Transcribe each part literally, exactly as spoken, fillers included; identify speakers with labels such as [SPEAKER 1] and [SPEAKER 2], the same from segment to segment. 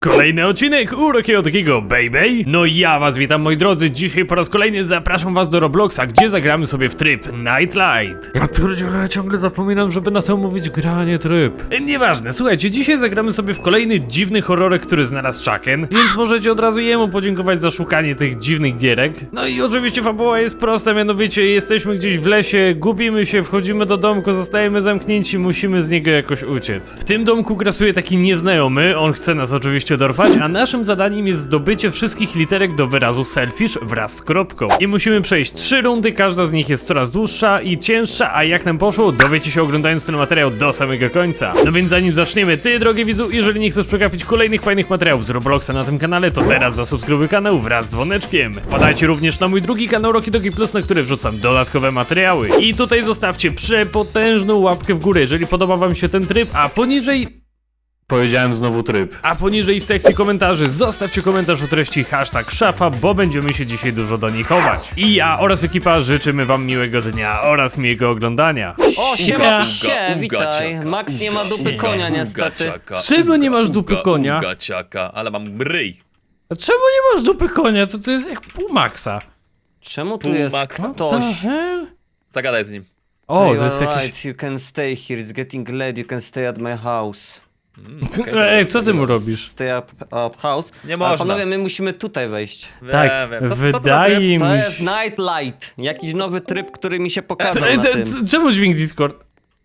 [SPEAKER 1] Kolejny odcinek Urokiego Takiego Baby. No i ja was witam, moi drodzy. Dzisiaj po raz kolejny zapraszam was do Robloxa, gdzie zagramy sobie w tryb Nightlight. Ja pierdzielę, ja ciągle zapominam, żeby na to mówić granie tryb. Nieważne, słuchajcie, dzisiaj zagramy sobie w kolejny dziwny horrorek, który znalazł Chucken, więc możecie od razu jemu podziękować za szukanie tych dziwnych gierek. No i oczywiście fabuła jest prosta, mianowicie jesteśmy gdzieś w lesie, gubimy się, wchodzimy do domku, zostajemy zamknięci, musimy z niego jakoś uciec. W tym domku grasuje taki nieznajomy, on chce nas oczywiście dorwać, a naszym zadaniem jest zdobycie wszystkich literek do wyrazu selfish wraz z kropką. I musimy przejść trzy rundy, każda z nich jest coraz dłuższa i cięższa, a jak nam poszło, dowiecie się oglądając ten materiał do samego końca. No więc zanim zaczniemy, ty drogi widzu, jeżeli nie chcesz przegapić kolejnych fajnych materiałów z Robloxa na tym kanale, to teraz zasubskrybuj kanał wraz z dzwoneczkiem. Wpadajcie również na mój drugi kanał Roki Dogi Plus, na który wrzucam dodatkowe materiały. I tutaj zostawcie przepotężną łapkę w górę, jeżeli podoba wam się ten tryb, a poniżej... Powiedziałem znowu tryb. A poniżej w sekcji komentarzy zostawcie komentarz o treści hashtag szafa, bo będziemy się dzisiaj dużo do nich chować. I ja oraz ekipa życzymy wam miłego dnia oraz miłego oglądania.
[SPEAKER 2] O, siema,
[SPEAKER 1] Uga,
[SPEAKER 2] się,
[SPEAKER 3] uga,
[SPEAKER 2] witaj.
[SPEAKER 3] ciaka,
[SPEAKER 2] Max nie ma dupy
[SPEAKER 1] uga,
[SPEAKER 2] konia
[SPEAKER 1] uga,
[SPEAKER 2] niestety.
[SPEAKER 3] Ciaka,
[SPEAKER 1] Czemu nie
[SPEAKER 3] uga,
[SPEAKER 1] masz dupy
[SPEAKER 3] uga,
[SPEAKER 1] konia?
[SPEAKER 3] Uga, ciaka, ale mam ryj.
[SPEAKER 1] A czemu nie masz dupy konia? To to jest jak pół Maxa.
[SPEAKER 2] Czemu tu
[SPEAKER 3] Pół
[SPEAKER 2] jest
[SPEAKER 3] Maxa?
[SPEAKER 2] ktoś?
[SPEAKER 1] The hell?
[SPEAKER 3] Zagadaj z nim.
[SPEAKER 1] O,
[SPEAKER 2] Hey,
[SPEAKER 1] to jest
[SPEAKER 2] alright,
[SPEAKER 1] jakiś...
[SPEAKER 2] you can stay here, it's getting late, you can stay at my house.
[SPEAKER 3] Mm, okay.
[SPEAKER 1] Ej, co ty mu robisz?
[SPEAKER 2] Stay at, at house.
[SPEAKER 3] Nie
[SPEAKER 2] A
[SPEAKER 3] można.
[SPEAKER 2] panowie, my musimy tutaj wejść.
[SPEAKER 3] Wiem,
[SPEAKER 1] Tak,
[SPEAKER 3] wiem. Co, co to za
[SPEAKER 1] wydaje
[SPEAKER 3] tryb?
[SPEAKER 1] mi
[SPEAKER 2] To
[SPEAKER 1] się...
[SPEAKER 2] jest Nightlight, jakiś nowy tryb, który mi się pokazał
[SPEAKER 1] Ej,
[SPEAKER 2] na
[SPEAKER 1] c-
[SPEAKER 2] tym.
[SPEAKER 1] c- Czemu dźwięk Discord?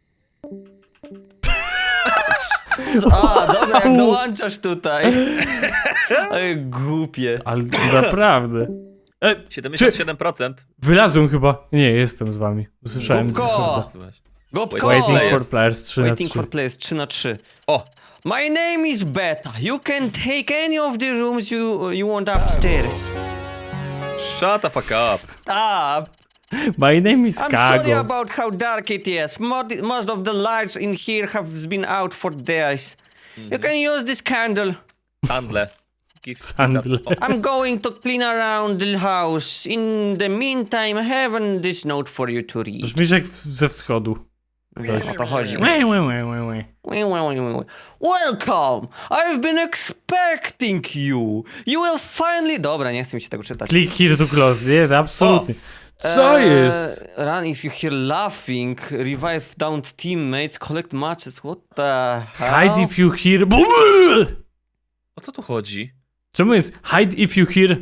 [SPEAKER 2] A, dobra, jak dołączasz tutaj. Ej, głupie.
[SPEAKER 1] Ale naprawdę. E,
[SPEAKER 3] siedemdziesiąt siedem procent.
[SPEAKER 1] Wylazłem chyba. Nie, jestem z wami. Usłyszałem
[SPEAKER 2] Gubko!
[SPEAKER 1] Discorda.
[SPEAKER 3] Słuchaj.
[SPEAKER 2] Gopko!
[SPEAKER 1] Waiting
[SPEAKER 3] Players.
[SPEAKER 1] for players trzy na
[SPEAKER 2] Waiting
[SPEAKER 1] trzy.
[SPEAKER 2] for players trzy na trzy.
[SPEAKER 3] O!
[SPEAKER 2] My name is Beta. You can take any of the rooms you you want upstairs.
[SPEAKER 3] Shut the fuck up.
[SPEAKER 2] Stop.
[SPEAKER 1] My name is
[SPEAKER 2] I'm sorry
[SPEAKER 1] Kago.
[SPEAKER 2] about how dark it is. Most, most of the lights in here have been out for days. You can use this candle.
[SPEAKER 3] Handle. Gift.
[SPEAKER 1] Handle.
[SPEAKER 3] O,
[SPEAKER 2] I'm going to clean around the house. In the meantime, I have this note for you to read.
[SPEAKER 1] Brzmisz jak ze wschodu.
[SPEAKER 2] Wiem, o to chodzi.
[SPEAKER 1] Łe, łe, łe, łe, łe.
[SPEAKER 2] Welcome! I've been expecting you. You will finally... Dobra, nie chcę mi się tego czytać.
[SPEAKER 1] Click here to close. Nie, absolutnie. Co
[SPEAKER 2] Eee,
[SPEAKER 1] jest?
[SPEAKER 2] Run if you hear laughing, revive downed teammates, collect matches, what the hell?
[SPEAKER 1] Hide if you hear...
[SPEAKER 3] o co tu chodzi?
[SPEAKER 1] Czemu jest hide if you hear...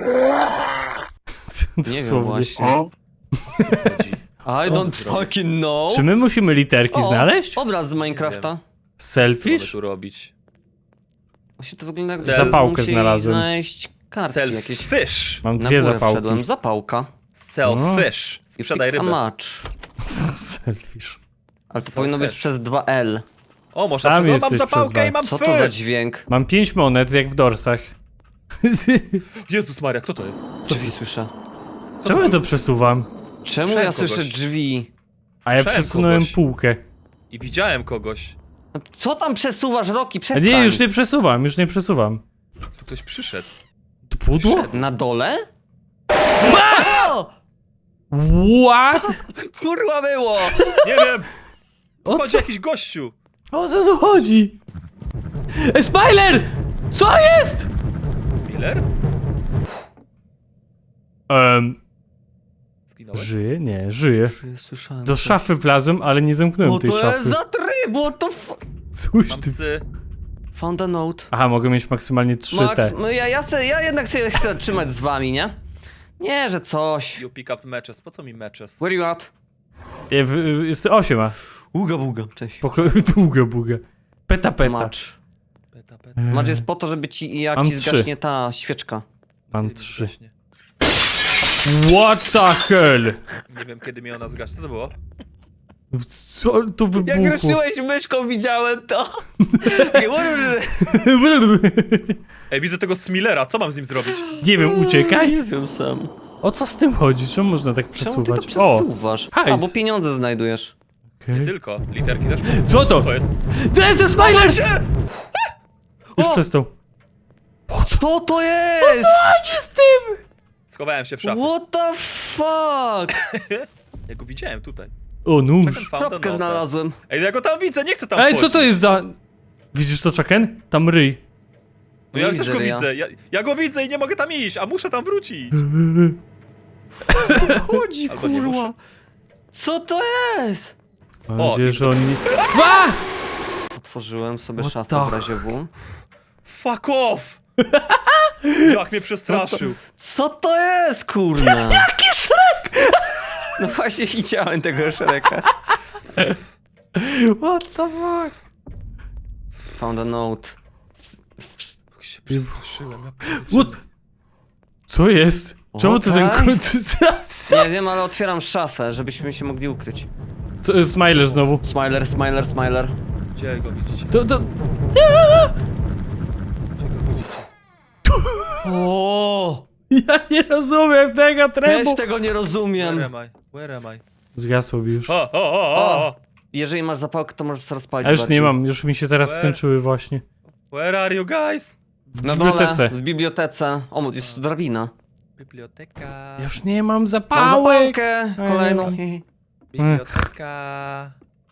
[SPEAKER 2] Nie wiem
[SPEAKER 1] Dosłownie.
[SPEAKER 2] właśnie.
[SPEAKER 3] O co tu chodzi?
[SPEAKER 2] I don't fucking know.
[SPEAKER 1] Czy my musimy literki
[SPEAKER 2] O,
[SPEAKER 1] znaleźć?
[SPEAKER 2] obraz z Minecrafta.
[SPEAKER 3] Co mamy
[SPEAKER 1] Selfish?
[SPEAKER 3] tu robić?
[SPEAKER 2] Właśnie to wygląda jak...
[SPEAKER 3] Sel-
[SPEAKER 1] Zapałkę
[SPEAKER 2] musieli
[SPEAKER 1] znalazłem.
[SPEAKER 2] znaleźć kartki jakieś.
[SPEAKER 3] Selfish.
[SPEAKER 1] Mam
[SPEAKER 2] Na
[SPEAKER 1] dwie
[SPEAKER 2] górę
[SPEAKER 1] zapałki.
[SPEAKER 2] wszedłem, zapałka.
[SPEAKER 3] Selfish.
[SPEAKER 2] You
[SPEAKER 3] Sprzedaj
[SPEAKER 2] picked a
[SPEAKER 3] rybę.
[SPEAKER 2] match.
[SPEAKER 1] Selfish.
[SPEAKER 2] Ale to
[SPEAKER 3] Co
[SPEAKER 2] powinno być
[SPEAKER 3] też?
[SPEAKER 2] przez dwa L.
[SPEAKER 3] O, można
[SPEAKER 1] Sam
[SPEAKER 3] przez... O, mam
[SPEAKER 1] jesteś
[SPEAKER 3] zapałkę
[SPEAKER 1] przez
[SPEAKER 3] i mam
[SPEAKER 2] Co to za
[SPEAKER 3] fish.
[SPEAKER 2] dźwięk?
[SPEAKER 1] Mam pięć monet, jak w dorsach.
[SPEAKER 3] Jezus Maria, kto to jest?
[SPEAKER 2] Drzwi słyszę.
[SPEAKER 1] Czemu ja to przesuwam?
[SPEAKER 2] Czemu
[SPEAKER 3] Słyszałem
[SPEAKER 2] ja słyszę
[SPEAKER 3] kogoś.
[SPEAKER 2] drzwi?
[SPEAKER 1] A ja
[SPEAKER 3] Słyszałem
[SPEAKER 1] przesunąłem
[SPEAKER 3] kogoś.
[SPEAKER 1] półkę.
[SPEAKER 3] I widziałem kogoś.
[SPEAKER 2] No, co tam przesuwasz, Roki?
[SPEAKER 1] A
[SPEAKER 2] Przestań.
[SPEAKER 1] nie, już nie przesuwam, już nie przesuwam.
[SPEAKER 3] Tu ktoś przyszedł.
[SPEAKER 1] To pudło?
[SPEAKER 3] Wszedł.
[SPEAKER 2] Na dole? O!
[SPEAKER 1] What?
[SPEAKER 2] Kurwa było!
[SPEAKER 3] Nie wiem!
[SPEAKER 1] O
[SPEAKER 3] Chodzi
[SPEAKER 1] co,
[SPEAKER 3] jakiś gościu!
[SPEAKER 1] o co tu chodzi? Ej, Smiler! Co jest?
[SPEAKER 3] Miller?
[SPEAKER 1] Um,
[SPEAKER 3] Zginąłeś?
[SPEAKER 1] żyje? Nie, żyje.
[SPEAKER 2] Słyszałem.
[SPEAKER 1] Do szafy wlazłem, ale nie zamknąłem
[SPEAKER 2] O,
[SPEAKER 1] tej
[SPEAKER 2] to jest
[SPEAKER 1] szafy.
[SPEAKER 2] za tryb, what the f...
[SPEAKER 1] Coś
[SPEAKER 3] Mam
[SPEAKER 1] ty...
[SPEAKER 3] psy.
[SPEAKER 2] Found a note.
[SPEAKER 1] Aha, mogę mieć maksymalnie trzy
[SPEAKER 2] Max,
[SPEAKER 1] te.
[SPEAKER 2] no ja, ja, se, ja jednak się chcę trzymać z wami, nie? Nie, że coś.
[SPEAKER 3] You pick up matches. Po co mi matches?
[SPEAKER 2] Where you at?
[SPEAKER 1] Nie, w- w- Jest osiem, a.
[SPEAKER 2] Uga buga, cześć.
[SPEAKER 1] Poko... Długa buga. Peta peta.
[SPEAKER 2] Match.
[SPEAKER 3] Peta, peta.
[SPEAKER 2] Match jest po to, żeby ci, jak
[SPEAKER 1] Mam
[SPEAKER 2] ci
[SPEAKER 1] trzy.
[SPEAKER 2] zgaśnie ta świeczka.
[SPEAKER 1] Mam
[SPEAKER 3] Kiedy mi
[SPEAKER 1] trzy.
[SPEAKER 3] zgaśnie?
[SPEAKER 1] What the hell?
[SPEAKER 3] Nie wiem, kiedy mi ona zgaśnie. Co to było?
[SPEAKER 1] Co tu
[SPEAKER 2] Jak
[SPEAKER 1] wybuchło?
[SPEAKER 2] ruszyłeś myszką, widziałem to.
[SPEAKER 3] Ej, widzę tego Smilera. Co mam z nim zrobić?
[SPEAKER 1] Nie wiem, uciekaj.
[SPEAKER 2] Nie wiem sam.
[SPEAKER 1] O co z tym chodzi? Czemu można tak
[SPEAKER 2] Czemu ty to
[SPEAKER 1] przesuwać? O,
[SPEAKER 2] przesuwasz? A,
[SPEAKER 1] hajs.
[SPEAKER 2] bo pieniądze znajdujesz.
[SPEAKER 3] Nie
[SPEAKER 1] okej.
[SPEAKER 3] tylko. Literki też.
[SPEAKER 1] Co to?
[SPEAKER 3] Co jest?
[SPEAKER 1] To jest Smiler! Już
[SPEAKER 2] O!
[SPEAKER 1] przestał.
[SPEAKER 2] Co to jest?
[SPEAKER 1] Co z tym?
[SPEAKER 3] Schowałem się w szafie.
[SPEAKER 2] What the fuck?
[SPEAKER 3] Ja go widziałem tutaj.
[SPEAKER 1] O, nóż.
[SPEAKER 3] Czekam, found a
[SPEAKER 2] Kropkę
[SPEAKER 3] note.
[SPEAKER 2] znalazłem.
[SPEAKER 3] Ej, ja go tam widzę, nie chcę tam
[SPEAKER 1] Ej,
[SPEAKER 3] wchodzić.
[SPEAKER 1] co to jest za... Widzisz to, Chucken? Tam ryj.
[SPEAKER 3] No ja
[SPEAKER 2] Nie
[SPEAKER 3] też
[SPEAKER 2] widzę
[SPEAKER 3] go
[SPEAKER 2] ryja.
[SPEAKER 3] widzę. Ja, ja go widzę i nie mogę tam iść, a muszę tam wrócić.
[SPEAKER 2] Chodzi,
[SPEAKER 3] Albo nie
[SPEAKER 2] kurwa.
[SPEAKER 3] muszę.
[SPEAKER 2] Co to jest?
[SPEAKER 1] Mam
[SPEAKER 3] O,
[SPEAKER 1] nadzieję,
[SPEAKER 3] i-
[SPEAKER 1] że on nie... A!
[SPEAKER 2] Otworzyłem sobie
[SPEAKER 1] What
[SPEAKER 2] szafę
[SPEAKER 1] the
[SPEAKER 2] w razie W.
[SPEAKER 3] Fuck off! Jak mnie przestraszył.
[SPEAKER 2] Co to jest, kurna?
[SPEAKER 1] Jaki Shrek!
[SPEAKER 2] No właśnie widziałem tego Shreka.
[SPEAKER 1] What the fuck?
[SPEAKER 2] Found a note.
[SPEAKER 3] Jak się przestraszyłem. Ja
[SPEAKER 1] What? Co jest? Czemu ty ten
[SPEAKER 2] Okej.
[SPEAKER 1] końcu... Co?
[SPEAKER 2] Nie wiem, ale otwieram szafę, żebyśmy się mogli ukryć.
[SPEAKER 1] Co jest Smiler znowu?
[SPEAKER 2] Smiler, smiler, smiler.
[SPEAKER 3] Gdzie go widzicie?
[SPEAKER 1] To, to...
[SPEAKER 3] Gdzie go widzicie?
[SPEAKER 2] O,
[SPEAKER 1] Ja nie rozumiem tego
[SPEAKER 2] Też
[SPEAKER 1] trybu.
[SPEAKER 2] tego nie
[SPEAKER 3] Where
[SPEAKER 2] rozumiem.
[SPEAKER 3] am I? Where am I?
[SPEAKER 1] Zgasło mi już.
[SPEAKER 3] O, o, o, o, o!
[SPEAKER 2] Jeżeli masz zapałkę, to możesz sobie rozpalić
[SPEAKER 1] A już
[SPEAKER 2] bardziej.
[SPEAKER 1] nie mam, już mi się teraz
[SPEAKER 3] Where?
[SPEAKER 1] skończyły właśnie.
[SPEAKER 3] Where are you guys?
[SPEAKER 1] W
[SPEAKER 2] Na dole,
[SPEAKER 1] bibliotece.
[SPEAKER 2] w bibliotece. O, jest tu drabina.
[SPEAKER 3] Biblioteka.
[SPEAKER 1] Już nie mam
[SPEAKER 2] Mam
[SPEAKER 1] zapałek.
[SPEAKER 2] zapałkę
[SPEAKER 1] Ej,
[SPEAKER 2] kolejną.
[SPEAKER 1] nie.
[SPEAKER 3] Biblioteka.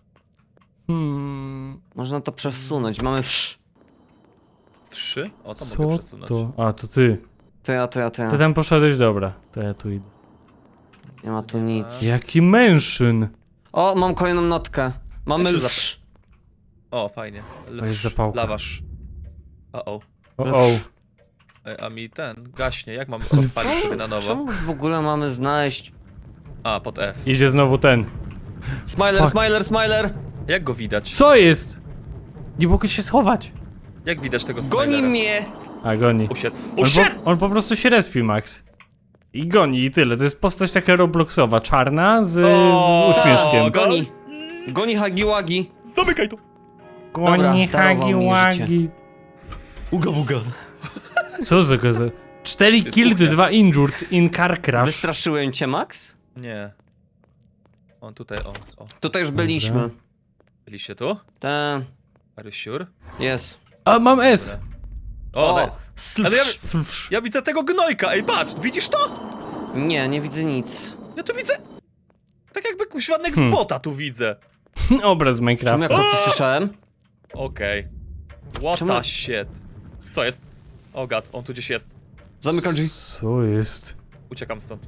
[SPEAKER 1] Hmm,
[SPEAKER 2] Można to przesunąć. Mamy wsz.
[SPEAKER 3] Trzy? O, to mogę
[SPEAKER 1] co
[SPEAKER 3] przesunąć.
[SPEAKER 1] to? A, to ty.
[SPEAKER 2] To ja, to ja, to ja.
[SPEAKER 1] Ty tam poszedłeś, dobra. To ja tu idę.
[SPEAKER 2] Nie ma tu nic.
[SPEAKER 1] Jaki mężczyn.
[SPEAKER 2] O, mam kolejną notkę. Mamy
[SPEAKER 3] Ja się
[SPEAKER 2] wsz.
[SPEAKER 3] O, fajnie.
[SPEAKER 1] To jest zapałka.
[SPEAKER 3] Lawasz. O, o.
[SPEAKER 1] O, o.
[SPEAKER 3] E, A mi ten gaśnie. Jak mam rozpalić sobie na nowo?
[SPEAKER 2] Czemu w ogóle mamy znaleźć...
[SPEAKER 3] A, pod F.
[SPEAKER 1] Idzie znowu ten.
[SPEAKER 2] Smiler,
[SPEAKER 1] Fuck.
[SPEAKER 2] smiler, smiler!
[SPEAKER 3] Jak go widać?
[SPEAKER 1] Co jest? Nie mogę się schować.
[SPEAKER 3] Jak widać tego
[SPEAKER 2] Goni
[SPEAKER 3] Smilera?
[SPEAKER 2] mnie!
[SPEAKER 1] A, goni.
[SPEAKER 3] Usiadł.
[SPEAKER 1] On
[SPEAKER 3] Usiadł!
[SPEAKER 1] po, on po prostu się respi, Max. I goni, i tyle. To jest postać taka Robloxowa, czarna, z
[SPEAKER 3] O,
[SPEAKER 1] uśmieszkiem.
[SPEAKER 3] o,
[SPEAKER 2] Goni! Goni Hagiwagi!
[SPEAKER 3] Zamykaj to!
[SPEAKER 2] Dobra,
[SPEAKER 1] Goni,
[SPEAKER 2] darował
[SPEAKER 1] hagi,
[SPEAKER 2] mi
[SPEAKER 1] łagi.
[SPEAKER 2] Uga buga.
[SPEAKER 1] Co za gaza? cztery
[SPEAKER 3] jest
[SPEAKER 1] killed,
[SPEAKER 3] kuchnia.
[SPEAKER 1] dwa injured in car crash.
[SPEAKER 2] Wystraszyłem cię, Max?
[SPEAKER 3] Nie. On tutaj, o, o.
[SPEAKER 2] Tutaj już byliśmy.
[SPEAKER 3] Byliście tu?
[SPEAKER 2] Te...
[SPEAKER 3] Are you sure?
[SPEAKER 2] Jest.
[SPEAKER 1] A, mam S.
[SPEAKER 3] O,
[SPEAKER 2] O,
[SPEAKER 3] nice.
[SPEAKER 2] slf.
[SPEAKER 3] Ale ja,
[SPEAKER 1] Swsz.
[SPEAKER 3] ja widzę tego gnojka, ej patrz, widzisz to?
[SPEAKER 2] Nie, nie widzę nic.
[SPEAKER 3] Ja tu widzę... Tak jakby kuźwanek
[SPEAKER 1] Hmm.
[SPEAKER 3] z bota tu widzę.
[SPEAKER 1] Obraz z
[SPEAKER 2] Czemu ja
[SPEAKER 1] Minecrafta.
[SPEAKER 2] kroki słyszałem?
[SPEAKER 3] Okej. What
[SPEAKER 2] Czemu-
[SPEAKER 3] the shit. Co jest? O gad, on tu gdzieś jest.
[SPEAKER 2] Zamykam drzwi.
[SPEAKER 1] Co jest?
[SPEAKER 3] Uciekam stąd.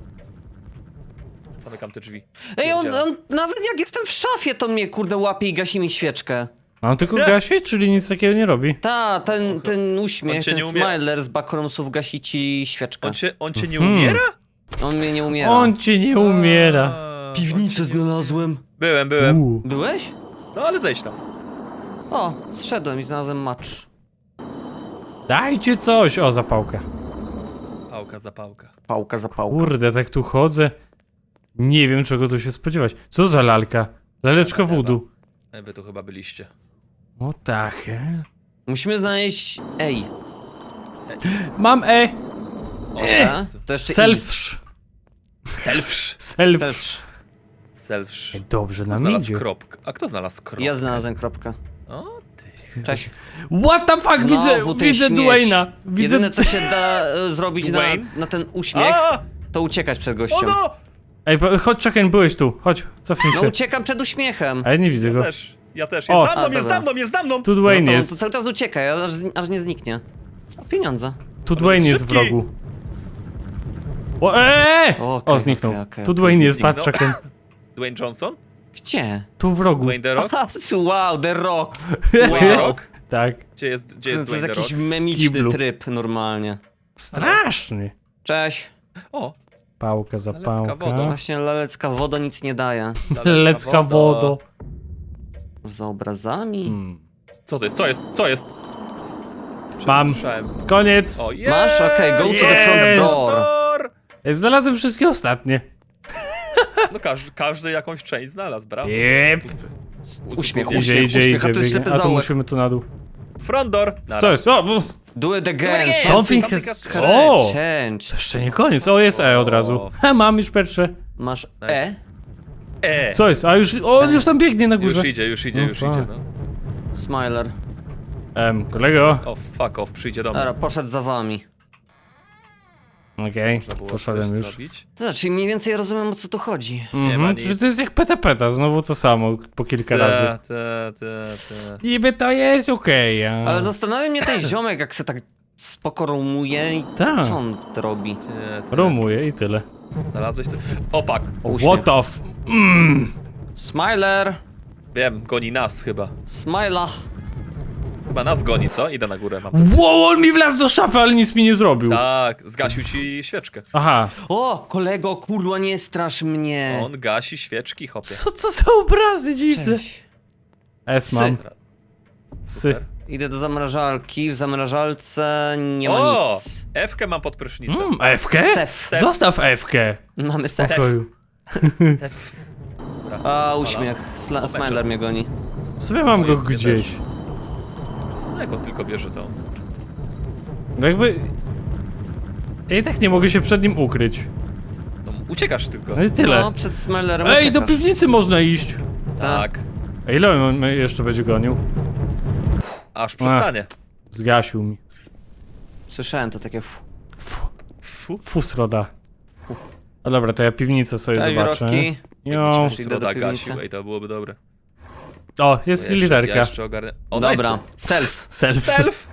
[SPEAKER 3] Zamykam te drzwi.
[SPEAKER 2] Ej, on,
[SPEAKER 3] Pierdzielę.
[SPEAKER 2] on, nawet jak jestem w szafie, to mnie kurde łapie i gasi mi świeczkę.
[SPEAKER 1] A on tylko
[SPEAKER 3] Nie.
[SPEAKER 1] gasi, czyli nic takiego nie robi?
[SPEAKER 2] Ta, ten, ten
[SPEAKER 3] On
[SPEAKER 2] uśmiech,
[SPEAKER 3] cię
[SPEAKER 2] ten
[SPEAKER 3] nie umie-
[SPEAKER 2] smiler z backroomsów gasi ci świeczkę.
[SPEAKER 3] On cię, on cię nie
[SPEAKER 1] Mhm.
[SPEAKER 3] umiera?
[SPEAKER 2] On mnie nie umiera.
[SPEAKER 1] On ci nie umiera.
[SPEAKER 3] A, on
[SPEAKER 2] Piwnicę
[SPEAKER 3] cię nie-
[SPEAKER 2] znalazłem.
[SPEAKER 3] Byłem, byłem.
[SPEAKER 1] U.
[SPEAKER 2] Byłeś?
[SPEAKER 3] No ale zejdź tam.
[SPEAKER 2] O, zszedłem i znalazłem macz.
[SPEAKER 1] Dajcie coś! O, zapałka.
[SPEAKER 3] Pałka za pałka.
[SPEAKER 2] Pałka za pałką.
[SPEAKER 1] Kurde, tak tu chodzę. Nie wiem, czego tu się spodziewać. Co za lalka? Laleczka voodoo.
[SPEAKER 3] E, Wy tu chyba byliście.
[SPEAKER 1] What the hell?
[SPEAKER 2] Musimy znaleźć... Ej.
[SPEAKER 1] Mam E!
[SPEAKER 3] O,
[SPEAKER 2] E?
[SPEAKER 3] Jezu.
[SPEAKER 2] To jeszcze
[SPEAKER 1] Selfsz.
[SPEAKER 3] Selfsz.
[SPEAKER 1] Self.
[SPEAKER 2] Selfsz.
[SPEAKER 3] Selfsz.
[SPEAKER 1] Dobrze
[SPEAKER 3] Kto
[SPEAKER 1] nam
[SPEAKER 3] znalazł
[SPEAKER 1] idzie.
[SPEAKER 3] kropkę? A kto znalazł kropkę?
[SPEAKER 2] Ja znalazłem kropkę.
[SPEAKER 3] O ty.
[SPEAKER 2] Cześć.
[SPEAKER 1] What the fuck? Widzę,
[SPEAKER 2] Znowu ten
[SPEAKER 1] widzę
[SPEAKER 2] śmieć.
[SPEAKER 1] Dwayna. Widzę...
[SPEAKER 2] Jedyne co się da e, zrobić na,
[SPEAKER 3] Dwayne?
[SPEAKER 2] na ten uśmiech,
[SPEAKER 3] A!
[SPEAKER 2] to uciekać przed
[SPEAKER 3] O
[SPEAKER 2] gościem.
[SPEAKER 3] no!
[SPEAKER 1] Ej, po- chodź, czekaj, byłeś tu. Chodź, cofnij
[SPEAKER 2] No
[SPEAKER 1] się.
[SPEAKER 2] uciekam przed uśmiechem.
[SPEAKER 1] A ja nie widzę
[SPEAKER 3] Ja
[SPEAKER 1] go.
[SPEAKER 3] też. Ja też.
[SPEAKER 1] O.
[SPEAKER 3] Jest za
[SPEAKER 2] A,
[SPEAKER 3] mną, jest
[SPEAKER 2] dobra.
[SPEAKER 3] za mną, jest za mną!
[SPEAKER 1] Tu
[SPEAKER 2] No
[SPEAKER 1] Dwayne
[SPEAKER 2] to,
[SPEAKER 1] jest.
[SPEAKER 2] to cały czas uciekaj, aż, aż nie zniknie. A pieniądze.
[SPEAKER 1] Tu
[SPEAKER 3] Ale
[SPEAKER 1] Dwayne jest w
[SPEAKER 3] szybki.
[SPEAKER 1] rogu. O, eee!
[SPEAKER 2] O,
[SPEAKER 1] O,
[SPEAKER 2] okej,
[SPEAKER 1] zniknął.
[SPEAKER 2] okej, okej,
[SPEAKER 1] Tu
[SPEAKER 2] okej.
[SPEAKER 1] Dwayne jest,
[SPEAKER 3] Zniknął.
[SPEAKER 1] patrz, czekaj.
[SPEAKER 3] Dwayne Johnson?
[SPEAKER 2] Gdzie?
[SPEAKER 1] Tu w rogu.
[SPEAKER 3] Dwayne The Rock?
[SPEAKER 2] Aha, wow, The Rock.
[SPEAKER 3] Dwayne The
[SPEAKER 2] Wow.
[SPEAKER 3] Rock?
[SPEAKER 1] Tak.
[SPEAKER 3] Gdzie jest, gdzie
[SPEAKER 2] To,
[SPEAKER 3] jest
[SPEAKER 2] to jest
[SPEAKER 3] Dwayne The
[SPEAKER 2] jakiś
[SPEAKER 3] Rock?
[SPEAKER 2] memiczny
[SPEAKER 1] Kiblu.
[SPEAKER 2] tryb normalnie.
[SPEAKER 1] Straszny.
[SPEAKER 2] Cześć.
[SPEAKER 3] O!
[SPEAKER 1] Pałka za
[SPEAKER 3] Laleczka wodą.
[SPEAKER 1] pałka.
[SPEAKER 2] Właśnie lalecka woda nic nie daje.
[SPEAKER 1] Lecka wodo.
[SPEAKER 2] Za obrazami.
[SPEAKER 1] Hmm.
[SPEAKER 3] Co to jest? Co jest? Co jest?
[SPEAKER 1] Mam.
[SPEAKER 3] Słyszałem.
[SPEAKER 1] Koniec.
[SPEAKER 3] O, jest!
[SPEAKER 2] Masz? Okej, go to the front
[SPEAKER 1] Jest!
[SPEAKER 2] door.
[SPEAKER 1] Ej, znalazłem wszystkie ostatnie.
[SPEAKER 3] No każdy, każdy jakąś część znalazł, brawo.
[SPEAKER 1] Jep.
[SPEAKER 2] Uśmiech,
[SPEAKER 3] Uzupełnienie.
[SPEAKER 1] Idzie,
[SPEAKER 2] Uśmiech,
[SPEAKER 1] idzie,
[SPEAKER 2] uśmiech, a
[SPEAKER 1] idzie.
[SPEAKER 2] to jest
[SPEAKER 1] biegnie.
[SPEAKER 2] ślepy
[SPEAKER 1] A tu
[SPEAKER 2] zaułek.
[SPEAKER 1] musimy tu na dół.
[SPEAKER 3] Front door. Nara.
[SPEAKER 1] Co jest? O! bu-
[SPEAKER 2] Do it again.
[SPEAKER 3] again.
[SPEAKER 1] Something
[SPEAKER 3] Something
[SPEAKER 1] has...
[SPEAKER 3] has
[SPEAKER 1] O!
[SPEAKER 2] Change.
[SPEAKER 1] To jeszcze nie koniec. O, jest E od razu. Ha, mam już pierwsze.
[SPEAKER 2] Masz
[SPEAKER 3] Nice.
[SPEAKER 2] E?
[SPEAKER 3] E!
[SPEAKER 1] Co jest? A już... O, on już tam biegnie na górze.
[SPEAKER 3] Już idzie, już idzie,
[SPEAKER 1] No
[SPEAKER 3] już
[SPEAKER 1] fuck.
[SPEAKER 3] idzie, no.
[SPEAKER 2] Smiler.
[SPEAKER 1] Em, kolego.
[SPEAKER 3] O, fuck off, przyjdzie do mnie.
[SPEAKER 2] Dobra, poszedł za wami.
[SPEAKER 1] Okej,
[SPEAKER 3] Można było
[SPEAKER 1] poszedłem
[SPEAKER 3] coś
[SPEAKER 1] już.
[SPEAKER 3] zrobić.
[SPEAKER 2] To znaczy, mniej więcej rozumiem, o co tu chodzi.
[SPEAKER 3] Nie ma
[SPEAKER 1] Mhm,
[SPEAKER 3] nic.
[SPEAKER 1] czyli to jest jak peta peta, znowu to samo, po kilka razy.
[SPEAKER 3] Te, te, te, te.
[SPEAKER 1] Niby to jest okej, a...
[SPEAKER 2] Ale zastanawia mnie ten ziomek, jak se tak spoko rumuje i
[SPEAKER 1] Tak.
[SPEAKER 2] co on robi?
[SPEAKER 3] Nie, ty
[SPEAKER 1] Rumuje i tyle.
[SPEAKER 3] Znalazłeś coś? O, fuck.
[SPEAKER 2] Uśmiech.
[SPEAKER 1] What the f... Mm.
[SPEAKER 2] Smiler!
[SPEAKER 3] Wiem, goni nas chyba.
[SPEAKER 2] Smila!
[SPEAKER 3] Chyba nas goni, co? Idę na górę, mam.
[SPEAKER 1] Wow, on mi wlazł do szafy, ale nic mi nie zrobił.
[SPEAKER 3] Tak, zgasił ci świeczkę.
[SPEAKER 1] Aha.
[SPEAKER 2] O, kolego, kurwa, nie strasz mnie!
[SPEAKER 3] On gasi świeczki, hopie.
[SPEAKER 1] Co to za obrazy dziwne?
[SPEAKER 2] Cześć.
[SPEAKER 1] S
[SPEAKER 2] Psy.
[SPEAKER 1] mam. Sy.
[SPEAKER 2] Idę do zamrażalki, w zamrażalce nie ma
[SPEAKER 3] O!
[SPEAKER 2] nic.
[SPEAKER 3] F-kę mam pod prysznicem.
[SPEAKER 1] Mm, F-kę?
[SPEAKER 2] Sef.
[SPEAKER 1] Zostaw F-kę.
[SPEAKER 2] Mamy
[SPEAKER 1] W
[SPEAKER 2] sef.
[SPEAKER 1] pokoju.
[SPEAKER 3] F. Dobra.
[SPEAKER 2] A, uśmiech. Sla
[SPEAKER 3] O,
[SPEAKER 2] Smiler
[SPEAKER 3] meczes.
[SPEAKER 2] mnie goni.
[SPEAKER 1] Sobie mam
[SPEAKER 3] No
[SPEAKER 1] go
[SPEAKER 3] jest mnie
[SPEAKER 1] gdzieś.
[SPEAKER 3] też. No jak on tylko bierze to.
[SPEAKER 1] No jakby... Ja i tak nie mogę się przed nim ukryć.
[SPEAKER 3] No, uciekasz tylko.
[SPEAKER 1] No i tyle.
[SPEAKER 2] No, przed Smilerem
[SPEAKER 1] Ej, do
[SPEAKER 2] uciekasz.
[SPEAKER 1] piwnicy można iść.
[SPEAKER 3] Tak.
[SPEAKER 1] A ile on mnie jeszcze będzie gonił?
[SPEAKER 3] Aż przestanie.
[SPEAKER 1] Zgasił mi.
[SPEAKER 2] Słyszałem to takie fu.
[SPEAKER 1] Fu,
[SPEAKER 3] Fu.
[SPEAKER 1] fusroda. A dobra, to ja piwnicę sobie
[SPEAKER 2] Cześć,
[SPEAKER 1] zobaczę.
[SPEAKER 2] Rocky.
[SPEAKER 1] Jo.
[SPEAKER 2] Jakbyś idę do
[SPEAKER 3] Sroda
[SPEAKER 2] piwnicy.
[SPEAKER 3] gasił, ej, to byłoby dobre.
[SPEAKER 1] O, jest
[SPEAKER 3] Bo ja jeszcze-
[SPEAKER 1] literka.
[SPEAKER 3] Ja jeszcze ogarnę. O,
[SPEAKER 2] Dobra,
[SPEAKER 3] nice.
[SPEAKER 2] self.
[SPEAKER 1] Self.
[SPEAKER 3] Self!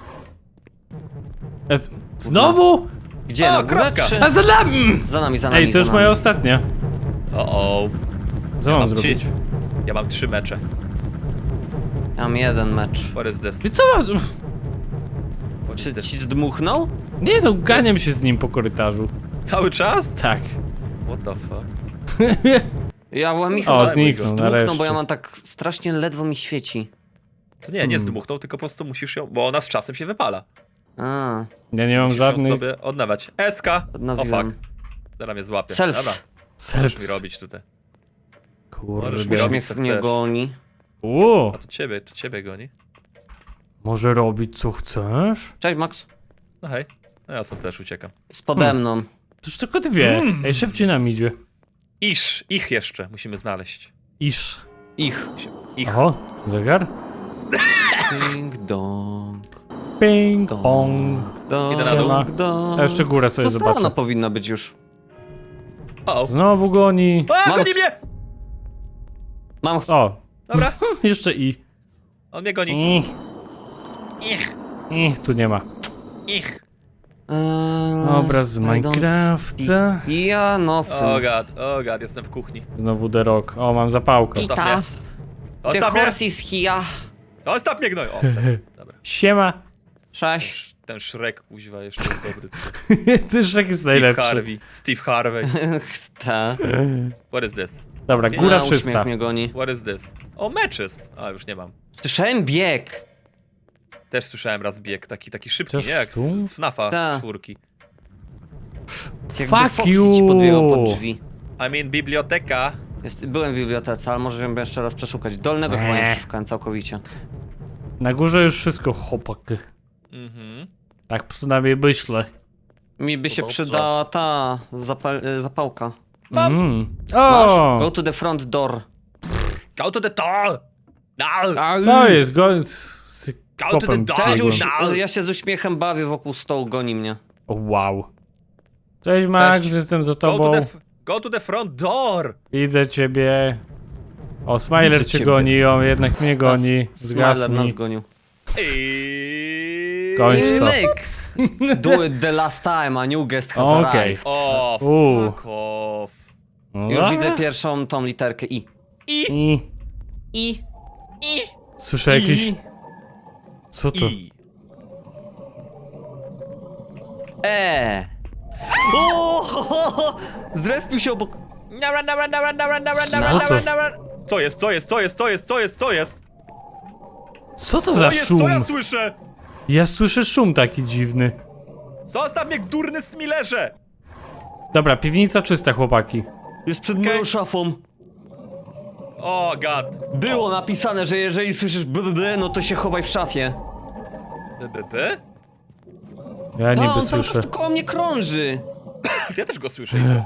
[SPEAKER 1] E, z- Znowu?
[SPEAKER 2] Gdzie,
[SPEAKER 3] O,
[SPEAKER 2] na górę,
[SPEAKER 3] kropka.
[SPEAKER 2] czy...
[SPEAKER 1] A za nami!
[SPEAKER 2] Za nami, za nami,
[SPEAKER 1] Ej, to już
[SPEAKER 2] za nami.
[SPEAKER 1] moja ostatnia.
[SPEAKER 3] O, o.
[SPEAKER 1] Co
[SPEAKER 3] Ja
[SPEAKER 1] mam
[SPEAKER 3] mam
[SPEAKER 1] zrobić?
[SPEAKER 3] ci- Ja mam trzy mecze.
[SPEAKER 2] Ja mam jeden mecz.
[SPEAKER 3] What is this?
[SPEAKER 1] I co mam... z-
[SPEAKER 3] What is
[SPEAKER 2] Czy
[SPEAKER 3] this?
[SPEAKER 2] ci zdmuchnął?
[SPEAKER 1] Nie no, ganiam się z nim po korytarzu.
[SPEAKER 3] Cały czas?
[SPEAKER 1] Tak.
[SPEAKER 3] What the fuck?
[SPEAKER 2] Ja byłem mi
[SPEAKER 1] O,
[SPEAKER 2] chyba
[SPEAKER 1] zniknął
[SPEAKER 2] zdmuchnął,
[SPEAKER 1] nareszcie.
[SPEAKER 2] bo ja mam tak strasznie ledwo mi świeci.
[SPEAKER 3] To nie, nie
[SPEAKER 1] Hmm.
[SPEAKER 3] zdmuchnął, tylko po prostu musisz ją, bo ona z czasem się wypala.
[SPEAKER 2] A,
[SPEAKER 1] Ja nie mam
[SPEAKER 3] Musisz ją
[SPEAKER 1] żadnych...
[SPEAKER 3] sobie odnawiać. Eska! O
[SPEAKER 2] odnowiłem.
[SPEAKER 3] fuck. Zaraz mnie złapie.
[SPEAKER 2] Self.
[SPEAKER 3] Dobra, możesz mi
[SPEAKER 1] Selfs.
[SPEAKER 3] robić tutaj.
[SPEAKER 1] Kurde.
[SPEAKER 3] Możesz mi robić.
[SPEAKER 2] Uśmiech
[SPEAKER 3] co
[SPEAKER 2] mnie
[SPEAKER 3] chcesz.
[SPEAKER 2] goni.
[SPEAKER 1] Uuu,
[SPEAKER 3] A to ciebie, to ciebie goni.
[SPEAKER 1] może robić co chcesz?
[SPEAKER 2] Cześć, Max.
[SPEAKER 3] No hej. No ja sam też uciekam.
[SPEAKER 2] Z pode mną.
[SPEAKER 1] To już tylko dwie.
[SPEAKER 3] Hmm.
[SPEAKER 1] Ej, szybciej nam idzie.
[SPEAKER 3] Iż, ich jeszcze musimy znaleźć.
[SPEAKER 1] Iż.
[SPEAKER 2] Ich.
[SPEAKER 3] Ich.
[SPEAKER 1] Oho, zegar?
[SPEAKER 2] Ding dong.
[SPEAKER 1] Ping
[SPEAKER 2] dong,
[SPEAKER 1] pong.
[SPEAKER 2] dong,
[SPEAKER 3] Idę na dół.
[SPEAKER 2] dong, dong.
[SPEAKER 1] A jeszcze górę sobie
[SPEAKER 2] To strona
[SPEAKER 1] zobaczę.
[SPEAKER 2] powinna być już.
[SPEAKER 3] O, o.
[SPEAKER 1] Znowu goni.
[SPEAKER 3] A,
[SPEAKER 2] Mam-
[SPEAKER 3] goni mnie!
[SPEAKER 2] Mam...
[SPEAKER 1] O,
[SPEAKER 3] Dobra,
[SPEAKER 1] jeszcze i.
[SPEAKER 3] on mnie goni.
[SPEAKER 1] Ich,
[SPEAKER 3] Ich,
[SPEAKER 1] ich, tu nie ma.
[SPEAKER 3] ich.
[SPEAKER 2] Eee,
[SPEAKER 1] Obraz z
[SPEAKER 2] I don't
[SPEAKER 1] Minecrafta.
[SPEAKER 2] speak- Ja, no.
[SPEAKER 3] O god, o god, jestem w kuchni.
[SPEAKER 1] Znowu The Rock. O, mam zapałkę.
[SPEAKER 3] Zostaw
[SPEAKER 2] Ita.
[SPEAKER 3] mnie.
[SPEAKER 2] The
[SPEAKER 3] Zostaw mnie!
[SPEAKER 2] horse is here.
[SPEAKER 3] Zostaw mnie, gnoj! O, przestań. Dobra.
[SPEAKER 1] Siema.
[SPEAKER 2] Cześć.
[SPEAKER 3] Sz- Ten Shrek, kuźwa, jeszcze jest dobry. tutaj.
[SPEAKER 1] Ty Szek jest
[SPEAKER 3] Steve
[SPEAKER 1] najlepszy.
[SPEAKER 3] Harvey. Steve Harvey.
[SPEAKER 2] Ta.
[SPEAKER 3] What is this?
[SPEAKER 1] Dobra,
[SPEAKER 3] Nie,
[SPEAKER 1] góra
[SPEAKER 2] A,
[SPEAKER 1] czysta.
[SPEAKER 2] uśmiech mnie goni.
[SPEAKER 3] What is this? O, matches! A, już nie mam.
[SPEAKER 2] Słyszałem bieg.
[SPEAKER 3] Też słyszałem raz bieg, taki, taki szybki,
[SPEAKER 1] Też
[SPEAKER 3] nie? Jak
[SPEAKER 1] tu?
[SPEAKER 3] z, z FNAFa
[SPEAKER 2] Ta.
[SPEAKER 3] czwórki.
[SPEAKER 2] Jakby
[SPEAKER 1] Fuck
[SPEAKER 2] Foxy
[SPEAKER 1] you.
[SPEAKER 2] ci podbiegał pod drzwi.
[SPEAKER 3] I mean, biblioteka.
[SPEAKER 2] Jest, byłem w bibliotece, ale może ją jeszcze raz przeszukać. Dolnego chyba nie
[SPEAKER 1] Eee.
[SPEAKER 2] przeszukałem całkowicie.
[SPEAKER 1] Na górze już wszystko, chłopaki.
[SPEAKER 3] Mhm.
[SPEAKER 1] Tak przynajmniej myślę.
[SPEAKER 2] Mi by się
[SPEAKER 3] Chyba
[SPEAKER 2] przydała ta zapal y, zapałka.
[SPEAKER 3] Mam.
[SPEAKER 1] Mm.
[SPEAKER 2] Masz?
[SPEAKER 1] O!
[SPEAKER 2] Go to the front door.
[SPEAKER 3] Go to the door! No!
[SPEAKER 1] Co jest? Go... Z
[SPEAKER 3] Go to the
[SPEAKER 1] kopem
[SPEAKER 3] dog.
[SPEAKER 2] Też
[SPEAKER 1] biegłem.
[SPEAKER 2] już,
[SPEAKER 3] No.
[SPEAKER 2] ja się z uśmiechem bawię wokół stołu, goni mnie.
[SPEAKER 1] O, wow. Cześć Max,
[SPEAKER 2] Cześć.
[SPEAKER 1] jestem za
[SPEAKER 3] Go to,
[SPEAKER 1] tobą.
[SPEAKER 3] the, f- go to the front door!
[SPEAKER 1] Widzę ciebie. O, Smiler
[SPEAKER 2] Widzę
[SPEAKER 1] cię
[SPEAKER 2] ciebie.
[SPEAKER 1] goni, o, jednak mnie goni.
[SPEAKER 2] Nas- Smiler nas
[SPEAKER 1] Zgasnij.
[SPEAKER 2] gonił.
[SPEAKER 3] I...
[SPEAKER 1] Kończ to.
[SPEAKER 2] Nick! Do it the last time, a new guest has
[SPEAKER 1] Okej.
[SPEAKER 2] arrived.
[SPEAKER 3] O,
[SPEAKER 1] Uuu.
[SPEAKER 3] fuck off.
[SPEAKER 1] No
[SPEAKER 2] Już
[SPEAKER 1] dobra.
[SPEAKER 2] widzę pierwszą tą literkę I.
[SPEAKER 3] I,
[SPEAKER 1] I...
[SPEAKER 2] I.
[SPEAKER 3] i,
[SPEAKER 1] Słyszę jakieś...
[SPEAKER 2] I.
[SPEAKER 1] Co to?
[SPEAKER 3] i.
[SPEAKER 2] E. O! ho, ho, ho. Zrespił się obok.
[SPEAKER 3] Nara, nara, nara, nara, nara,
[SPEAKER 1] Co
[SPEAKER 3] nara,
[SPEAKER 1] to?
[SPEAKER 3] nara, nara. Co jest, co jest, co jest, co jest, co jest, co jest?
[SPEAKER 1] Co to
[SPEAKER 3] Co
[SPEAKER 1] za
[SPEAKER 3] jest,
[SPEAKER 1] szum?
[SPEAKER 3] co ja słyszę?
[SPEAKER 1] Ja słyszę szum taki dziwny.
[SPEAKER 3] Zostaw mnie, durny smilerze!
[SPEAKER 1] Dobra, piwnica czysta, chłopaki.
[SPEAKER 2] Jest przed
[SPEAKER 3] Okej.
[SPEAKER 2] moją szafą.
[SPEAKER 3] O, god.
[SPEAKER 2] Było napisane, że jeżeli słyszysz b, b, b no to się chowaj w szafie.
[SPEAKER 3] B, b, b?
[SPEAKER 1] Ja
[SPEAKER 2] No,
[SPEAKER 1] niby
[SPEAKER 2] on cały
[SPEAKER 1] słyszę.
[SPEAKER 2] czas koło mnie krąży.
[SPEAKER 3] Ja też go słyszę. Iwo.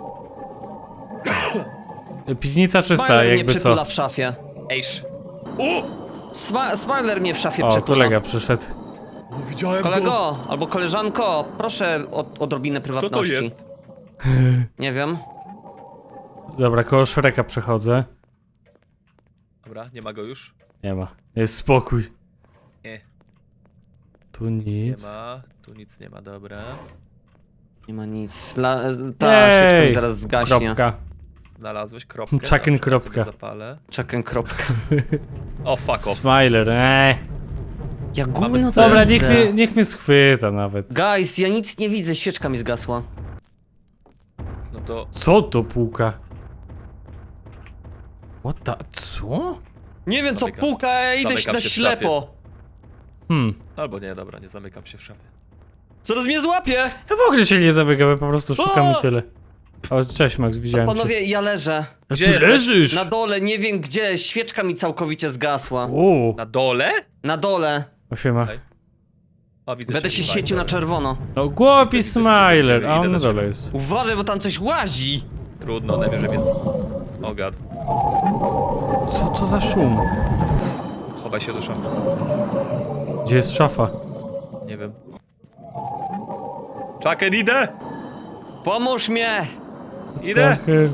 [SPEAKER 1] Piwnica czysta,
[SPEAKER 2] Smiler mnie
[SPEAKER 1] jakby
[SPEAKER 2] przytula
[SPEAKER 1] co.
[SPEAKER 2] w szafie.
[SPEAKER 3] Ejsz. U!
[SPEAKER 2] Sma Smiler mnie w szafie
[SPEAKER 1] O,
[SPEAKER 2] przytula.
[SPEAKER 1] kolega przyszedł.
[SPEAKER 3] No, widziałem go.
[SPEAKER 2] Kolego, albo koleżanko, proszę o odrobinę
[SPEAKER 3] Kto to
[SPEAKER 2] prywatności.
[SPEAKER 3] jest?
[SPEAKER 2] Nie wiem.
[SPEAKER 1] Dobra, koło Shreka przechodzę.
[SPEAKER 3] Dobra, nie ma go już.
[SPEAKER 1] Nie ma. Jest spokój.
[SPEAKER 3] Nie.
[SPEAKER 1] Tu
[SPEAKER 3] Nie
[SPEAKER 1] nic.
[SPEAKER 3] ma. Tu nic nie ma, dobra.
[SPEAKER 2] Nie ma nic. La, ta świeczka mi
[SPEAKER 1] Ej,
[SPEAKER 2] zaraz zgaśnie.
[SPEAKER 1] Kropka.
[SPEAKER 3] Znalazłeś kropkę.
[SPEAKER 1] Chucken
[SPEAKER 3] Dobrze, ja
[SPEAKER 1] kropka.
[SPEAKER 3] sobie zapalę.
[SPEAKER 2] Czekam, kropka.
[SPEAKER 3] O, fuck off.
[SPEAKER 1] Smiler, eee.
[SPEAKER 2] Ja
[SPEAKER 3] Mamy
[SPEAKER 2] gówno to
[SPEAKER 3] scenę.
[SPEAKER 1] Dobra,
[SPEAKER 2] widzę.
[SPEAKER 1] niech mnie, niech mnie schwyta nawet.
[SPEAKER 2] Guys, ja nic nie widzę, świeczka mi zgasła.
[SPEAKER 3] No to...
[SPEAKER 1] Co to puka? What the... co?
[SPEAKER 2] Nie wiem co
[SPEAKER 3] Zamykam.
[SPEAKER 2] puka, ja idę
[SPEAKER 3] Zamykam
[SPEAKER 2] na
[SPEAKER 3] się w
[SPEAKER 2] ślepo.
[SPEAKER 1] Hmm.
[SPEAKER 3] Albo nie, dobra, nie zamykam się w szafie.
[SPEAKER 2] Zaraz mnie złapie!
[SPEAKER 1] Ja w ogóle się nie zamykam, po prostu szukam
[SPEAKER 2] O!
[SPEAKER 1] i tyle. O, cześć Max, widziałem cię.
[SPEAKER 2] Panowie, ja leżę.
[SPEAKER 1] A
[SPEAKER 3] Gdzie
[SPEAKER 1] ty
[SPEAKER 3] jesteś?
[SPEAKER 1] leżysz?
[SPEAKER 2] Na dole, nie wiem gdzie, świeczka mi całkowicie zgasła.
[SPEAKER 1] Uuu,
[SPEAKER 3] Na dole?
[SPEAKER 2] Na dole.
[SPEAKER 1] osiema.
[SPEAKER 3] Okej. O, widzę
[SPEAKER 2] Będę
[SPEAKER 3] cię,
[SPEAKER 2] się
[SPEAKER 3] fajnie,
[SPEAKER 2] świecił na
[SPEAKER 3] dobra.
[SPEAKER 2] czerwono.
[SPEAKER 1] No głupi
[SPEAKER 3] Widzę, widzę,
[SPEAKER 1] Smiler,
[SPEAKER 3] widzę,
[SPEAKER 1] a
[SPEAKER 3] idę
[SPEAKER 1] on na
[SPEAKER 3] do ciebie.
[SPEAKER 1] dole jest.
[SPEAKER 2] Uważaj, bo tam coś łazi.
[SPEAKER 3] Trudno, najwyżej jest... O gad.
[SPEAKER 1] Co to za szum?
[SPEAKER 3] Chowaj się do szafy.
[SPEAKER 1] Gdzie jest szafa?
[SPEAKER 3] Nie wiem. Chucken, idę!
[SPEAKER 2] Pomóż mnie!
[SPEAKER 3] Idę!
[SPEAKER 1] Trochę-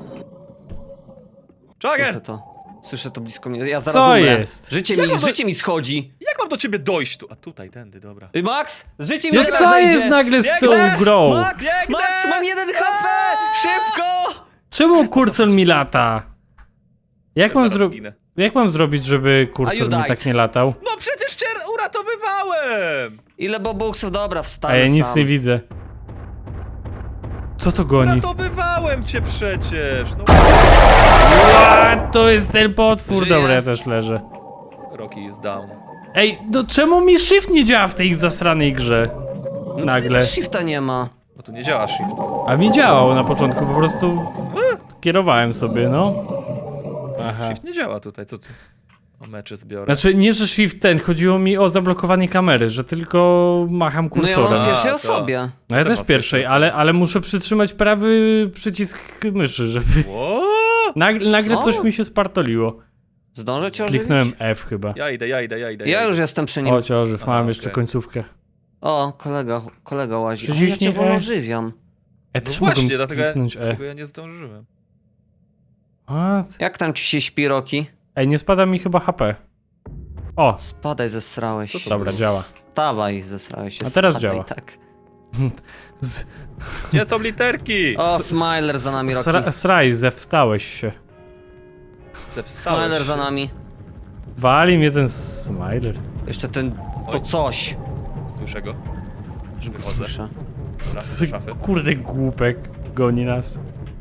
[SPEAKER 2] Słyszę
[SPEAKER 3] Chucken!
[SPEAKER 2] to. Słyszę to blisko mnie. Ja zaraz
[SPEAKER 1] Co
[SPEAKER 2] umrę.
[SPEAKER 1] jest?
[SPEAKER 2] Życie
[SPEAKER 3] Jak
[SPEAKER 2] mi,
[SPEAKER 3] on to-
[SPEAKER 2] życie mi schodzi.
[SPEAKER 3] Jak mam do ciebie dojść tu? A tutaj, tędy, dobra.
[SPEAKER 2] Y, Max, życie mi
[SPEAKER 1] No
[SPEAKER 2] zaraz
[SPEAKER 1] co
[SPEAKER 2] zejdzie.
[SPEAKER 1] jest nagle z tą
[SPEAKER 3] Biegnę!
[SPEAKER 1] grą?
[SPEAKER 2] Max,
[SPEAKER 3] Biegnę!
[SPEAKER 2] Max, mam jeden H P! Szybko!
[SPEAKER 1] Czemu kursor mi lata? Jak mam,
[SPEAKER 3] Zaraz
[SPEAKER 1] zro...
[SPEAKER 3] ginę.
[SPEAKER 1] Jak mam zrobić, żeby
[SPEAKER 2] A you
[SPEAKER 1] kursor mi
[SPEAKER 2] died.
[SPEAKER 1] tak nie latał?
[SPEAKER 3] No przecież cię uratowywałem!
[SPEAKER 2] Ile bobuksów? Dobra,
[SPEAKER 1] A
[SPEAKER 2] wstanę
[SPEAKER 1] ja nic
[SPEAKER 2] sam.
[SPEAKER 1] nie widzę. Co to goni?
[SPEAKER 3] Uratowywałem cię przecież! No,
[SPEAKER 1] A, to jest ten potwór.
[SPEAKER 2] Żyję.
[SPEAKER 1] Dobra, ja też leżę.
[SPEAKER 3] Rocky is down.
[SPEAKER 1] Ej, no czemu mi shift nie działa w tej zasranej grze?
[SPEAKER 2] No,
[SPEAKER 1] Nagle.
[SPEAKER 2] przecież shifta nie ma.
[SPEAKER 3] No tu nie działa shift.
[SPEAKER 1] A mi działał na początku, po prostu kierowałem sobie, no. Aha.
[SPEAKER 3] Shift nie działa tutaj, co ty? O mecze zbiorę.
[SPEAKER 1] Znaczy, nie, że shift ten, chodziło mi o zablokowanie kamery, że tylko macham
[SPEAKER 2] No ja
[SPEAKER 1] kursorem.
[SPEAKER 2] mam w
[SPEAKER 3] A,
[SPEAKER 2] pierwszej
[SPEAKER 3] to-
[SPEAKER 2] osobie.
[SPEAKER 1] No ja
[SPEAKER 3] też
[SPEAKER 1] też
[SPEAKER 3] mam
[SPEAKER 1] pierwszej,
[SPEAKER 3] pierwszej
[SPEAKER 1] ale, ale muszę przytrzymać prawy przycisk myszy, żeby...
[SPEAKER 3] Ło!
[SPEAKER 1] Nagle, nagle
[SPEAKER 2] Co?
[SPEAKER 1] coś mi się spartoliło.
[SPEAKER 2] Zdążę cię ożywić?
[SPEAKER 1] Kliknąłem F chyba.
[SPEAKER 3] Ja idę, ja idę, ja idę.
[SPEAKER 2] Ja
[SPEAKER 3] idę.
[SPEAKER 2] już jestem przy nim.
[SPEAKER 1] O, cię ożyw, mam
[SPEAKER 3] A,
[SPEAKER 1] jeszcze
[SPEAKER 3] okej.
[SPEAKER 1] końcówkę.
[SPEAKER 2] O, kolega, kolega łazi. O, ja
[SPEAKER 1] Przyciśnij
[SPEAKER 2] cię wolno
[SPEAKER 1] E.
[SPEAKER 2] ożywiam.
[SPEAKER 1] E,
[SPEAKER 3] No
[SPEAKER 1] też
[SPEAKER 3] właśnie,
[SPEAKER 1] mogłem
[SPEAKER 3] dlatego ja,
[SPEAKER 1] kliknąć E.
[SPEAKER 3] dlatego ja nie zdążyłem.
[SPEAKER 1] What?
[SPEAKER 2] Jak tam ci się śpi, Roki?
[SPEAKER 1] Ej, nie spada mi chyba H P. O,
[SPEAKER 2] Spadaj, zesrałeś
[SPEAKER 3] Co
[SPEAKER 2] się.
[SPEAKER 3] to
[SPEAKER 1] dobra,
[SPEAKER 3] było?
[SPEAKER 1] działa.
[SPEAKER 2] Stawaj, zesrałeś się.
[SPEAKER 1] A teraz
[SPEAKER 2] spadaj,
[SPEAKER 1] działa.
[SPEAKER 2] Tak.
[SPEAKER 1] Z,
[SPEAKER 3] Gdzie są literki?
[SPEAKER 2] O,
[SPEAKER 1] s-
[SPEAKER 2] Smiler za nami, Roki.
[SPEAKER 1] sra, Sraj, zewstałeś się.
[SPEAKER 3] Zewstałeś
[SPEAKER 2] Smiler
[SPEAKER 3] się.
[SPEAKER 2] za nami.
[SPEAKER 1] Wali mnie ten Smiler.
[SPEAKER 2] Jeszcze ten, to
[SPEAKER 3] Oj.
[SPEAKER 2] coś.
[SPEAKER 3] Słyszę go.
[SPEAKER 2] Że go
[SPEAKER 3] Wychodzę.
[SPEAKER 2] słyszę.
[SPEAKER 3] Dobra,
[SPEAKER 1] Z,
[SPEAKER 3] do szafy.
[SPEAKER 1] kurde głupek goni nas.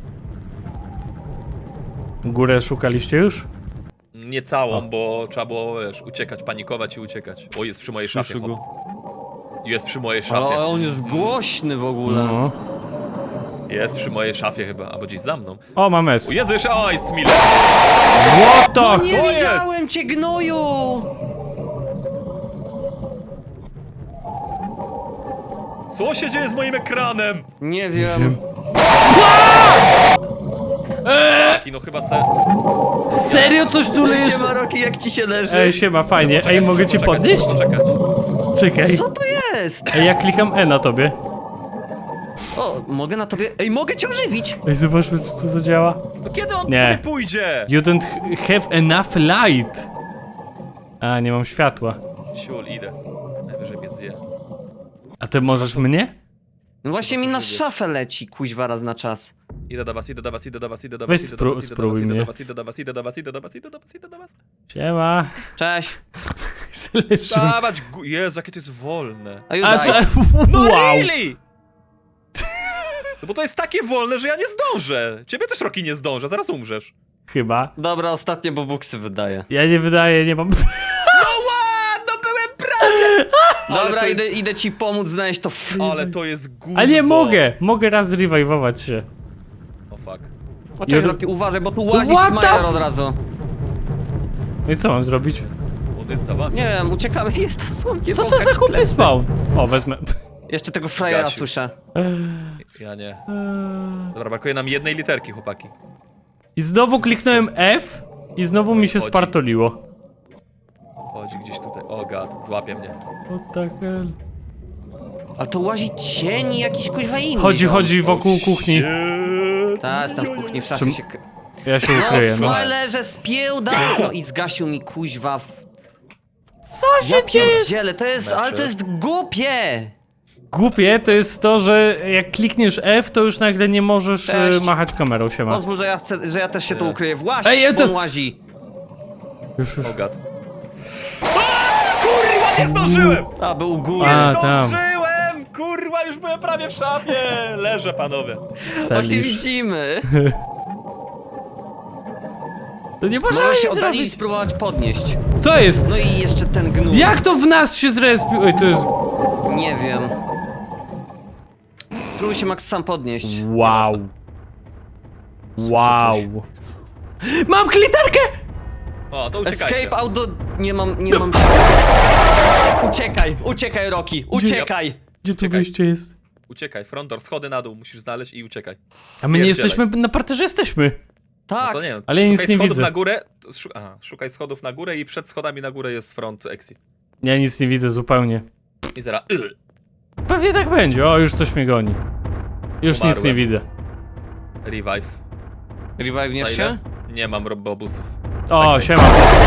[SPEAKER 1] Górę szukaliście już?
[SPEAKER 3] Nie całą,
[SPEAKER 1] O.
[SPEAKER 3] bo trzeba było, wiesz, uciekać, panikować i uciekać. O, jest przy mojej szafie.
[SPEAKER 2] Słyszę go.
[SPEAKER 3] chłop. Jest przy mojej szafie.
[SPEAKER 2] Ale on jest głośny w ogóle.
[SPEAKER 1] No.
[SPEAKER 3] Jest przy mojej szafie chyba, albo gdzieś za mną.
[SPEAKER 1] O, mam S.
[SPEAKER 3] O Jezu, jeszcze, o, jest Miller.
[SPEAKER 1] What the...
[SPEAKER 2] No nie
[SPEAKER 3] to jest?
[SPEAKER 2] widziałem cię, gnoju!
[SPEAKER 3] Co się dzieje z moim ekranem?
[SPEAKER 2] Nie wiem.
[SPEAKER 1] wiem.
[SPEAKER 3] Taki, no chyba se...
[SPEAKER 1] Serio coś tu
[SPEAKER 2] Ej,
[SPEAKER 1] jest?
[SPEAKER 2] siema, Roki, jak ci się leży?
[SPEAKER 1] Ej, siema, fajnie. Ej, mogę cię podnieść?
[SPEAKER 3] Czekać.
[SPEAKER 1] Czekaj.
[SPEAKER 2] Co to jest?
[SPEAKER 1] Ej, ja klikam E na tobie.
[SPEAKER 2] O, mogę na tobie... Ej, mogę cię ożywić!
[SPEAKER 1] Ej, zobaczmy, czy to zadziała.
[SPEAKER 3] No kiedy on
[SPEAKER 1] Nie.
[SPEAKER 3] sobie pójdzie?
[SPEAKER 1] You don't have enough light. A, nie mam światła.
[SPEAKER 3] Siul, idę. Najwyżej mnie zje.
[SPEAKER 1] A ty możesz mnie?
[SPEAKER 2] No właśnie
[SPEAKER 3] Chyba
[SPEAKER 2] mi na
[SPEAKER 3] coś
[SPEAKER 2] szafę leci, kuźwa, raz na czas.
[SPEAKER 3] Idę do was, idę do was, idę do was, idę do
[SPEAKER 1] Weź
[SPEAKER 3] was, idę
[SPEAKER 1] spró-
[SPEAKER 3] do was, idę do
[SPEAKER 1] spróbuj
[SPEAKER 3] was, idę
[SPEAKER 1] mnie.
[SPEAKER 3] do was, idę do was, idę do was, idę do was, idę do was, idę do was.
[SPEAKER 1] Siema.
[SPEAKER 2] Cześć.
[SPEAKER 1] Leży.
[SPEAKER 3] Dawać, gu- Jezu, jakie to jest wolne.
[SPEAKER 2] A you
[SPEAKER 1] A
[SPEAKER 2] died.
[SPEAKER 1] co?
[SPEAKER 3] No
[SPEAKER 1] Wow.
[SPEAKER 3] really? No bo to jest takie wolne, że ja nie zdążę. Ciebie też Rocky nie zdążę, zaraz umrzesz.
[SPEAKER 1] Chyba.
[SPEAKER 2] Dobra, ostatnie bobuksy wydaje.
[SPEAKER 1] Ja nie wydaję, nie mam...
[SPEAKER 3] No ła, no byłem prawie! Ale
[SPEAKER 2] Dobra,
[SPEAKER 3] to jest-
[SPEAKER 2] idę, idę ci pomóc znaleźć to f...
[SPEAKER 3] Ale to jest gówno.
[SPEAKER 1] A nie mogę! Mogę raz zrewajwować się.
[SPEAKER 3] O fuck.
[SPEAKER 2] Poczekaj,
[SPEAKER 1] Jor-
[SPEAKER 2] Roki, uważaj, bo tu łazi
[SPEAKER 1] What the
[SPEAKER 2] Smiler
[SPEAKER 1] f-
[SPEAKER 2] od razu.
[SPEAKER 1] No i co mam zrobić?
[SPEAKER 3] On jest za wami.
[SPEAKER 2] Nie wiem, uciekamy, jest to słomkie.
[SPEAKER 1] Co to
[SPEAKER 2] popchać
[SPEAKER 1] za głupie
[SPEAKER 2] plecy.
[SPEAKER 1] spawn? O, wezmę.
[SPEAKER 2] Jeszcze tego frajera
[SPEAKER 3] Zgasił.
[SPEAKER 2] słyszę.
[SPEAKER 3] Ja nie. Dobra, brakuje nam jednej literki, chłopaki.
[SPEAKER 1] I znowu kliknąłem F i znowu mi się
[SPEAKER 3] Chodzi.
[SPEAKER 1] spartoliło.
[SPEAKER 3] Chodzi gdzieś tutaj. O gad, złapie mnie.
[SPEAKER 1] What the hell?
[SPEAKER 2] Ale to łazi cień i jakiś kuźwa inny.
[SPEAKER 1] Chodzi,
[SPEAKER 2] ziom.
[SPEAKER 1] chodzi wokół kuchni.
[SPEAKER 2] Tak, jestem w kuchni, w szafie
[SPEAKER 1] Czym-
[SPEAKER 2] się... k-
[SPEAKER 1] Ja się
[SPEAKER 2] No,
[SPEAKER 1] ukryję, no.
[SPEAKER 2] Smilerze, spiełda! No i zgasił mi kuźwa w...
[SPEAKER 1] Co
[SPEAKER 2] Ja pierdzielę, to jest...
[SPEAKER 3] Mecze.
[SPEAKER 2] ale to jest głupie!
[SPEAKER 1] Głupie to jest to, że jak klikniesz F, to już nagle nie możesz e,
[SPEAKER 2] Cześć.
[SPEAKER 1] machać kamerą, siema.
[SPEAKER 2] Pozwól, że ja chcę, że ja też się tu
[SPEAKER 3] Nie.
[SPEAKER 2] ukryję. Właź,
[SPEAKER 1] Ej, ja to-
[SPEAKER 2] on łazi.
[SPEAKER 1] Już, już.
[SPEAKER 3] Oh god. A, kurwa, nie zdążyłem!
[SPEAKER 2] A, był u góry.
[SPEAKER 3] Nie
[SPEAKER 1] A, tam.
[SPEAKER 3] zdążyłem! Kurwa, już byłem prawie w szafie! Leżę, panowie.
[SPEAKER 2] Właśnie
[SPEAKER 1] Salisz.
[SPEAKER 2] widzimy.
[SPEAKER 1] To nie można
[SPEAKER 2] Możesz się
[SPEAKER 1] nic
[SPEAKER 2] oddalić i
[SPEAKER 1] zrobić.
[SPEAKER 2] spróbować podnieść.
[SPEAKER 1] Co jest?
[SPEAKER 2] No i jeszcze ten gnój.
[SPEAKER 1] Jak to w nas się zrespił? Ej, to jest...
[SPEAKER 2] Nie wiem. Spróbuj się Max sam podnieść.
[SPEAKER 1] Wow. Wow. Mam klitarkę!
[SPEAKER 3] O, to uciekajcie.
[SPEAKER 2] Escape out do... Nie mam, nie mam... Uciekaj, uciekaj Rocky, uciekaj!
[SPEAKER 1] Gdzie tu
[SPEAKER 3] Czekaj.
[SPEAKER 1] wyjście jest?
[SPEAKER 3] Uciekaj, front door, schody na dół, musisz znaleźć i uciekaj.
[SPEAKER 1] A my nie
[SPEAKER 3] Pierdzielaj.
[SPEAKER 1] jesteśmy, na parterze jesteśmy.
[SPEAKER 3] No
[SPEAKER 2] Tak,
[SPEAKER 3] to nie wiem,
[SPEAKER 1] Ale ja nic
[SPEAKER 3] szukaj
[SPEAKER 1] nie
[SPEAKER 3] schodów
[SPEAKER 1] widzę.
[SPEAKER 3] na górę, to szu- aha, szukaj schodów na górę i przed schodami na górę jest front exit.
[SPEAKER 1] Ja nic nie widzę zupełnie.
[SPEAKER 3] I zaraz, y,
[SPEAKER 1] Pewnie tak będzie. O, już coś mnie goni. Już nic nie
[SPEAKER 3] Umarłem.
[SPEAKER 1] widzę.
[SPEAKER 3] revive. Za
[SPEAKER 2] revive'niesz
[SPEAKER 3] ile?
[SPEAKER 2] się?
[SPEAKER 3] Nie mam robobusów.
[SPEAKER 1] O, siema.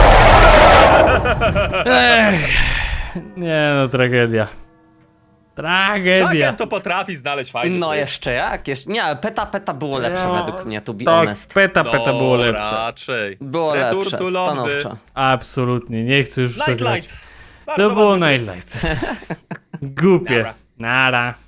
[SPEAKER 1] Ech. Nie no, tragedia. Tragedia.
[SPEAKER 3] Chucken to potrafi znaleźć fajnie.
[SPEAKER 2] No jeszcze jak? Jeszcze... Nie, ale peta peta było lepsze
[SPEAKER 1] No,
[SPEAKER 2] według mnie, to be
[SPEAKER 1] Tak,
[SPEAKER 2] honest.
[SPEAKER 1] peta peta było
[SPEAKER 3] No,
[SPEAKER 1] lepsze.
[SPEAKER 3] raczej.
[SPEAKER 2] Było
[SPEAKER 3] Return
[SPEAKER 2] lepsze,
[SPEAKER 3] to Londyn.
[SPEAKER 2] stanowczo.
[SPEAKER 1] Absolutnie, nie chcę już w to grać.
[SPEAKER 3] Nightlight. Bardzo
[SPEAKER 1] To było
[SPEAKER 3] ładny tryb.
[SPEAKER 1] Nightlight. Głupie.
[SPEAKER 3] Nara.
[SPEAKER 1] Nara.